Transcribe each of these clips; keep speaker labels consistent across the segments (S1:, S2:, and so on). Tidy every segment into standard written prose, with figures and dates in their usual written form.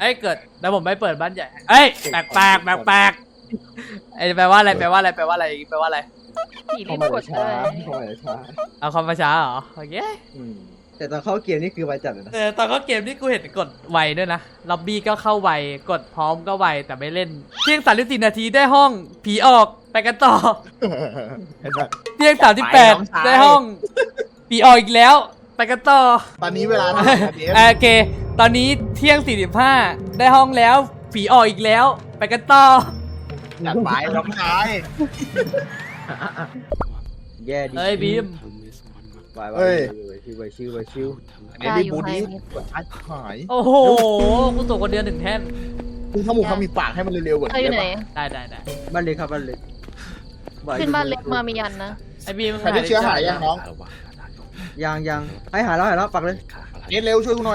S1: เอ้ยเกิดแล้วผมไม่เปิดบ้านใหญ่เอ้ยแปลกไอ้แปลว่าอะไร
S2: ผีรีบกดเลย
S1: เอาคอมมาช้าเหรอโอเค
S3: แต่ตอนเข้าเกมนี่คือไวจัดเลยนะ
S1: ตอนเข้าเกมนี่กูเห็นกดไวด้วยนะล็อบบี้ก็เข้าไวกดพร้อมก็ไวแต่ไม่เล่นเที่ยง34 นาทีได้ห้องผีออกไปกันต่อเที่ยง38ได้ห้องผีออกอีกแล้วไปกันต่อ
S4: ตอนนี้เวลาเท่าไหร่ครับเดฟ
S1: โอเคตอนนี้เที่ยง45ได้ห้องแล้วผีออกอีกแล้วไปกันต่อ
S4: จัดไปน้องชาย
S3: แย่ดี
S1: เอ้ยบีม
S3: ไวชิว
S4: เดฟบีบูดี้กดชัดหาย
S1: โอ้โหกูตัวคนเดียว1 แท่น
S4: คือเขาหมูเขามีปากให้มันเร็วๆกว่า
S2: เธออยู่ไหน
S1: ได้
S3: บ้านเล็กครับบ้านเล็ก
S2: ขึ้นบ้านเล็กมามียันนะ
S1: ไอ้บีม
S4: ใครได้เชื้อหายยังน้อง
S3: ยังให้หาแล้วปักเลย
S4: เดฟเร็วช่วยกูหน่อย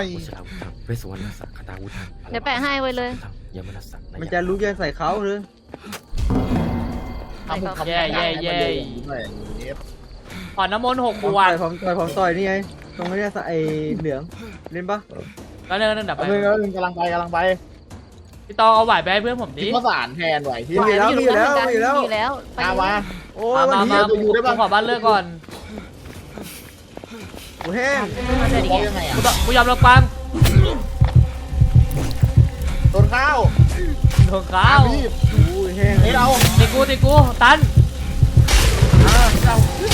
S2: เดี๋ยวแปะให้ไว้เลย
S3: มันจะรู้จะใส่เขาหรือ
S4: ทำผมทำ
S1: แย่
S4: เดฟ
S1: ผ่อนน้ำมนต์6 ข
S3: ต่
S1: ว
S3: อ
S1: ด
S3: ยผมต่อยนี่ไงตรงนี้ไอ้เหลืองเล่นปะ
S1: แล้วเดินดับไป
S4: เร็วกำลังไป
S1: พี่ตองเอาไหวไปให้เพื่อนผมดิ
S4: ทิ้งข้าวสารแทนไหวที่
S3: มีแล้ว
S2: อยู่แล้วไป
S4: มา
S3: โอ้ยวันนี้
S1: กูขอบ้านเลิกก่อน
S3: กูแห้ง
S2: เดี๋ยวดิ
S4: ยังไงอ่ะ
S1: กูยอมรับฟัง
S4: โดนข้าว
S1: โดนข้าว
S4: พี่
S3: กูแห้ง
S4: เฮ้ยเรา
S1: ตีกูตัน
S4: เรา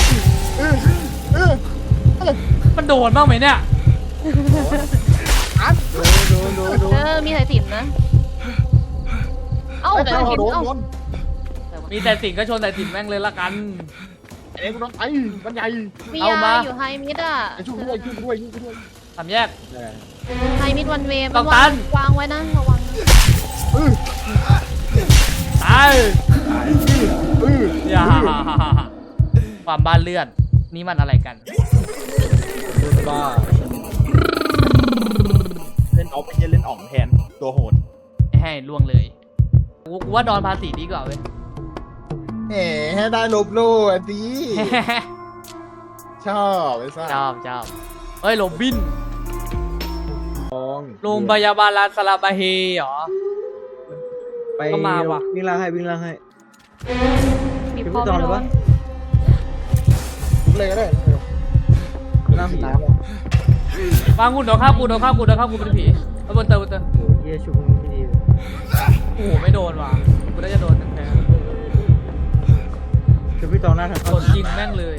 S1: มันโดนบ้างไหมเนี่ย
S4: อัด
S3: ดู
S2: มีสายสิญจนนะเอ้า
S4: ไม่
S2: แต่
S4: ใช่
S2: สายสิญ
S4: โด
S2: จ
S4: น
S2: เอ้า
S4: โดน
S1: มีแต่สิ่งก็ชนแต่สิ่งแม่งเลยละกัน
S4: ไอ้เด็กกูโดนไอ้มันใหญ่
S2: มี
S1: เอา
S2: ยา
S1: มา
S2: อยู่ไฮมิดอ่ะ
S4: ไอ้ช่วยด้วย
S1: ทำแยก
S2: ไฮมิดวันเวย์
S1: ต้องตัน
S2: วางไว้นะระวัง
S1: ตายอย่าความบ้านเลือดนี่มันอะไรกัน
S3: บ้า
S4: เล่นออฟเป็นเล่นอ่องแทนตัวโหด
S1: ให้ล่วงเลยกูว่าดอนภาษีดีกว่าเว้ย
S4: แหมให้ได้ลบโล่อ่ะสิชอบไอ้ซ่า
S1: ชอบเฮ้ยโรบิน โรงพ
S3: ไป
S1: ยาบาลลาซาลาบาเฮเหรอ ก็มาว่ะ
S3: วิ่งล่างให้
S2: มี
S3: พี่
S2: พอ
S3: ตอง
S2: ไม่
S3: เลย
S2: โด
S3: ปะ
S2: น
S4: เลยก็ได้
S3: ล่างผี
S4: น้ำ
S1: วางหุ่นโดนข้าวกูเป็นผีบนเตอร์
S3: เยี่ยชุบไม่ดีเลย
S1: โอ้โหไม่โดนว่ะกูน่าจะโดนแน่
S3: ชุบพี่ตองหน้าทาง
S1: ๆ
S3: เข้า
S1: โดนยิงแม่งเลย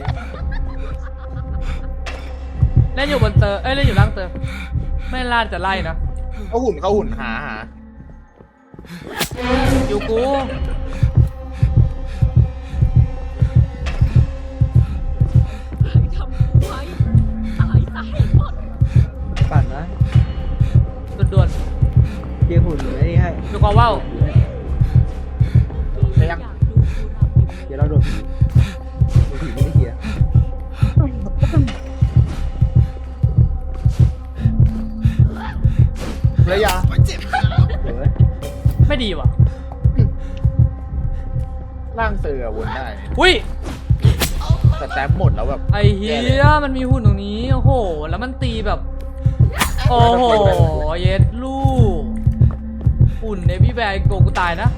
S1: เล่นอยู่บนเตอร์เล่นอยู่ล่างเตอร์ไม่ล่าจะไล่นะ
S4: เขาหุ่นหา
S1: อยู่กู
S3: ปั่นนะ
S1: ด่วน
S3: เกี่ยหุ่นไอ้นี่ให้
S1: ๆดูกอว่าว
S4: แต่ยัง
S3: เดี๋ยวเราโดนผีไม่ได้เกี่ย
S4: ระยะ
S3: เดี๋ยวเว้ย
S1: ไม่ดีว่ะ
S4: ร่างเสือวนได้
S1: อุ้ย
S4: แต่แต้มหมดแล้วแบบ
S1: ไอ้เฮียมันมีหุ่นตรงนี้โอ้โหแล้วมันตีแบบโอ้โหเย็ดลูกหุ่นในพี่แบร์โกกูตายนะ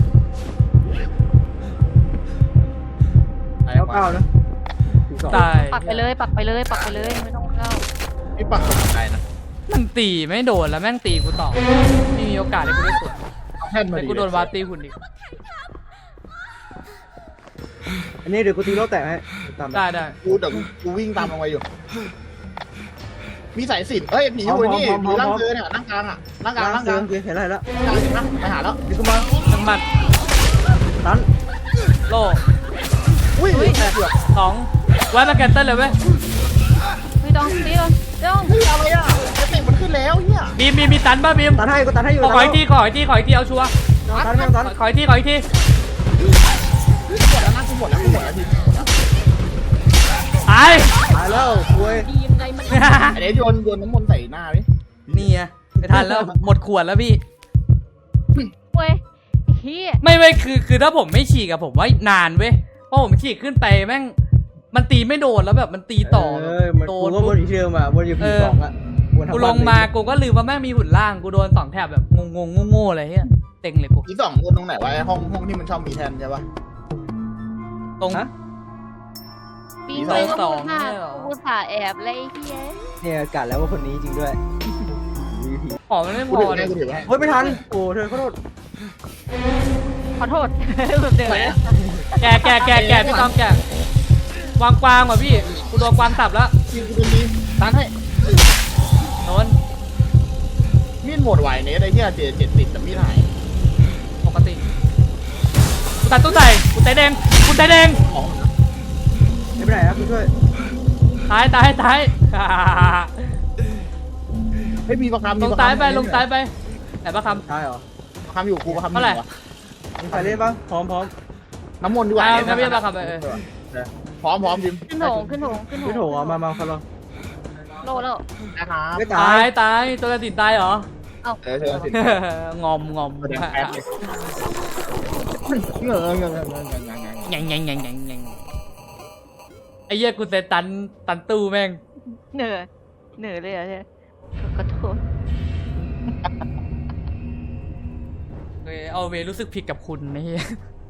S3: เก้านะ
S1: ต
S3: 12
S1: าย
S2: ปักไปเลยไม่ต้องเข้า
S4: พี่ปักตรงไหนนะ
S1: มันตีไม่โดนแล้วแม่งตีกูต่อไม่มีโอกาสให้กูได้สวน
S4: แท่นมา
S1: แต่
S4: ดิ
S1: กูโดนวาตีหุ่นอีก
S3: อันนี้เดี๋ยวกูตีโลแตกให้ตาม
S1: ได้
S4: กูวิ่งตามลงไปอยู่ มีสายสิญจน์เฮ้ยผีอยู่นี่ผีร่างเสือเนี่ยนั่งกลางอ่ะนั่งกลาง
S3: เเห็นแล้ว
S4: ไปหาแล้ว
S3: นี่กูมา
S1: ทั้งหมัด
S3: ตัน
S1: โล่
S4: อุ้ยแตกเกือบ
S1: 2ไว้มาแกนเต้นเลยเว้ย
S2: ไม่ต้องตีเลยต้อง
S4: เฮ้ยอะไรอ่ะเอฟเฟกต์มันขึ้นแล้วเนี่ย
S1: บีมมีตันป่ะบีม
S3: ตันให้กูตันให้อยู่
S1: ขออีกทีเอาชัวร์
S3: ตันไม่ตัน
S1: ขออีกที
S4: หมดแล้วนะกูหมดแล้วที
S1: ตาย
S3: ตายแล้วคุย
S4: ไอ้เด็กโยนน้ำมนต์ใส่หน้าดิ
S1: นี่ไงไม่ทันแล้วหมดขวดแล้วพี่
S2: เว้ยเฮีย
S1: ไม่คือถ้าผมไม่ฉีกอะผมว่านานเว้ยเพราะผมฉีกขึ้นไปแม่งมันตีไม่โดนแล้วแบบมันตีต่อ
S3: มัน
S1: โด
S3: กู
S1: น
S3: ก็บนอยู่ที่เดิมอ่ะบนอยู่ผีสองอ่ะกู
S1: กูลงมากูก็ลืมว่าแม่งมีหุ่นล่างกูโดน2 แถบแบบงงโง่ๆอะไรเงี้ยเต็งเลยกู
S4: อี2คนตรงไหนวะไอ้ห้องที่มันชอบมีแทนใช่ปะ
S1: ตรง
S2: ปีนเลยก็พูดมากกูสาแอบเลยไอ้เฮีย
S3: เนี่ยกะแล้วว่าคนนี้จริงด้วย
S1: ของมันไม่พ
S4: กู
S1: อ
S4: ถือ
S1: เล
S4: ให้
S1: ย
S4: กูถือให้
S3: เฮ้ยไม่ทันโอ้เธอขอโทษ
S2: ขอโทษแบบเดิมเลย
S1: แกพี่ต้องแกวางกวางว่ะพี่กูโดนกวางสับแล้ว
S4: ยิงกูตรงนี้
S1: ตันให้โดน
S4: มีดหมดไหวเนสไอ้เหี้ย70แต่มีดหาย
S1: ปกติกูตัดตู้ใส่กูไตแดง
S4: ของ
S3: ไม่เป็นไรครับคุณช่วย
S1: ตาย
S4: เฮ้ยมีประคำ
S1: ลงซ้ายไปแต่ประคำ
S3: ใช่เหรอ
S4: ประคำอยู่กูประคำอ
S1: เท่าไหร่
S4: ยู่วะ
S3: มีใครเล่นบ้างพร้อม
S4: น้ำมนต์ดีกว่า
S1: ไม่พี่ประคำไป
S4: พร้อมจิม
S2: ขึ้นโถง
S3: พี่โถเอามาคนละ
S2: โลแล้ว
S4: นะครับ
S3: ไม่
S1: ตา
S3: ตาย
S1: ยตัวกระตินตายเหรอ
S4: เออเธอสิ
S1: งอม
S4: แสดงแป๊บเลยเงย
S1: ยังไอ้เหี้ยกูเซตันตู้แม่ง
S2: เหนื่อยเลยอ่ะเนี่ยขอโทษ
S1: เอาเวรู้สึกผิดกับคุณนะเฮีย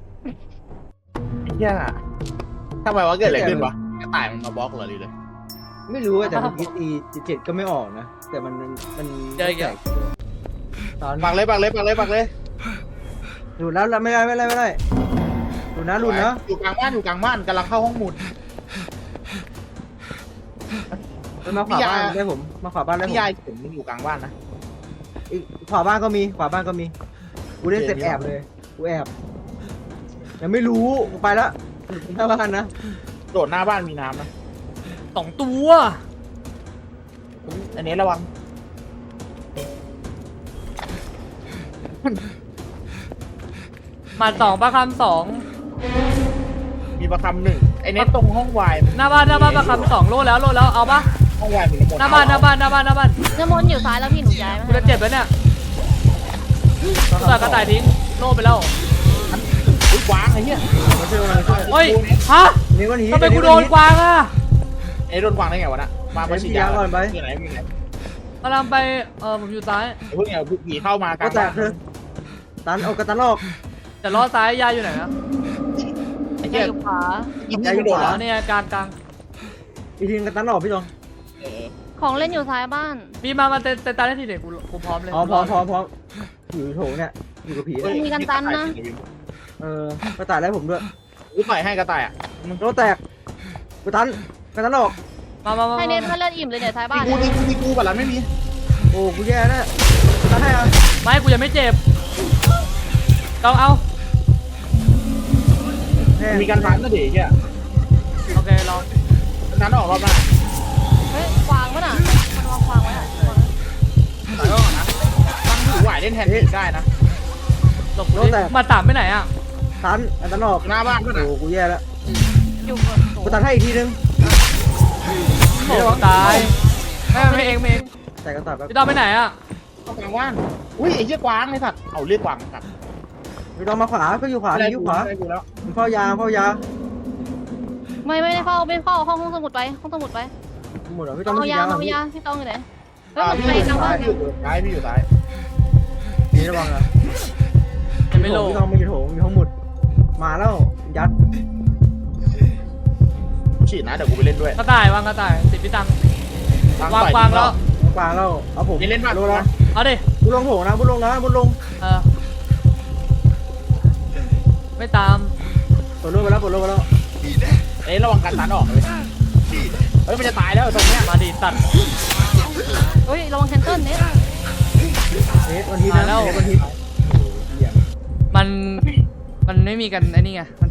S4: เหี้ยทำไมวะเกิดอะไรขึ้นวะกระต่ายมันมาบล็อกเหรอหรือเลย
S3: ไม่รู้แต่เมื่อกี้ตี7ก็ไม่ออกนะแต่มันแตกตอน
S4: ปักเลย
S3: หลุดแล้วไม่ได้หลุดนะ
S4: อยู่กลางบ้านกำลังเข้าห้องหมุด
S3: มันมาขวาบ้านได้ผมมาขวาบ้านได้ผม
S4: พี่ยายผมอยู่กลางบ้านนะ
S3: อีกขวาบ้านก็มีกูเล่นเสร็จแอบเลยกูแอบยังไม่รู้กูไปแล้วหน้าบ้านนะ
S4: โดดหน้าบ้านมีน้ำนะ
S1: 2 ตัว
S4: อันนี้ระวัง
S1: มา2ประคำ2
S4: มีประคำ1ไอ้เน็ตตรงห้องวาย
S1: หน้าบ้านประคำ2โลแล้วเอาปะ
S4: ห้องวายมีน้ำมนต์
S1: หน้าบ้าน
S2: น้ำมนต์อยู่ซ้ายแล้วพี่หนูย้ายมา
S1: กูจะเจ็บแล้วเนี่ยกูตัดกระต่ายทิ้งโลไปแล้ว
S4: อุ้ยกวางไอ้เหี้ย
S3: มาช่วย
S1: เฮ้ยฮะ
S3: นี่วันนี้
S1: ทำไมกูโดนกวางอ่ะ
S4: ไอ้โดนกวางได้ไงวะน่ะมาฉีดยาก่อนไปที่ไหน
S1: กำลังไปผมอยู่ซ้าย
S4: เพิ่งเอาผีเข้ามาก
S3: ก็
S4: ลาง
S3: แต
S4: บ้าก น
S3: เธอตันเอากระตันออก
S1: แต่ล้อซ้ายยายอยู่ไหนนะ
S4: ไอ้
S2: ย้า
S4: เหี้
S2: ย
S4: ย
S2: อยู่ขวา
S4: ยิงกระโดด
S1: อ๋
S4: แล้
S1: อ
S4: ว
S1: เนี่ยกลาง
S3: อีทีนกระตันออกพี่ตอง
S2: ของเล่นอยู่ซ้ายบ้าน
S1: พี่มาเตะตาได้ทีเด็กกูพร้อมเลย
S3: พร้อมอยู่โถเนี่ยอยู่กับผี
S2: มีกันตันนะ
S3: กระต่ายไล่ผมด้วย
S4: อุ้ยต่อยให้กระต่ายอ่ะ
S3: มันโดนแตกกระตันออก
S1: มา
S2: ให้เน็ตถ้าเลือดอิ่มเลยเนี่ยซ้ายบ้าน
S4: ตีกูบัตรลันไม่มี
S3: โอ้กูแย่แล้วตันให้อ่ะ
S1: ไม่กูยังไม่เจ็บต้องเอา
S4: มีการฟันก็ดีแค่
S1: โอเคลอง
S4: นั้นออกรอบหน้า
S2: เฮ้ยควางป่ะน่ะมันวางควางไว้อ่ะ
S4: ต่อยก็ก่อนนะตั้งถือไหวเล่นแทนผีได้นะ
S1: หลบมาตามไปไหนอ่ะ
S3: ตันออก
S4: หน้าบ้านก็นะ
S3: โอ้กูแย่แล้ว
S2: อยู่
S3: กูตันให้อีกทีนึง
S1: โอ้ตายไม่เอง
S3: แต่กระต่ายแบบ
S1: พี่ต้องไปไหนอ่ะ
S4: เข้ากลางบ้านอุ้ยไอ้เหี้ยกวางไอ้สัตว์เอาเรียกกวางครับ
S3: พี่ตองมาขวาก็อยู่ขวาอยู่ขวา
S4: ได้กูแล้ว
S3: มันเฝ้ายา
S2: ไม่ได้เฝ้าห้องสมุดไป
S3: หมดแล้วพี่ตอง
S2: เอา
S3: ไม่
S2: ยา
S3: กินยา
S2: เอายาพี่ต้องอยู่ไหนเฮ้ย
S4: พี่
S2: มัน
S4: อยู่
S2: ไปทางบ้าน
S4: ซ้ายพี่อยู่ซ้าย
S3: นี่ระวังนะ
S1: ยังไม่โล
S3: พี่ตองไม่อยู่โถงอยู่ห้องหมุดมาแล้วยัด
S4: ฉีดนะเดี๋ยวกูไปเล่นด้วย
S1: กระต่ายวางกระต่ายติดพี่ตังวางกวางแล้ว
S3: กวางแล้วเอาผม
S4: นี่เล่นบ้าน
S3: รู้แล้ว
S1: เอาดิ
S3: บุญลงโถงนะบุญลง
S1: ไม่ตาม
S3: ปลดลงไปแล้ว
S4: เอ้ยระวังการตันออกเลยเฮ้ยมันจะตายแล้วตรงเนี้ย
S1: มาดิตัด
S2: เฮ้ยระวังแคนเซิลเน็ต
S3: วันทีนะวันที
S1: มันไม่มีกันไอ้นี่ไงมัน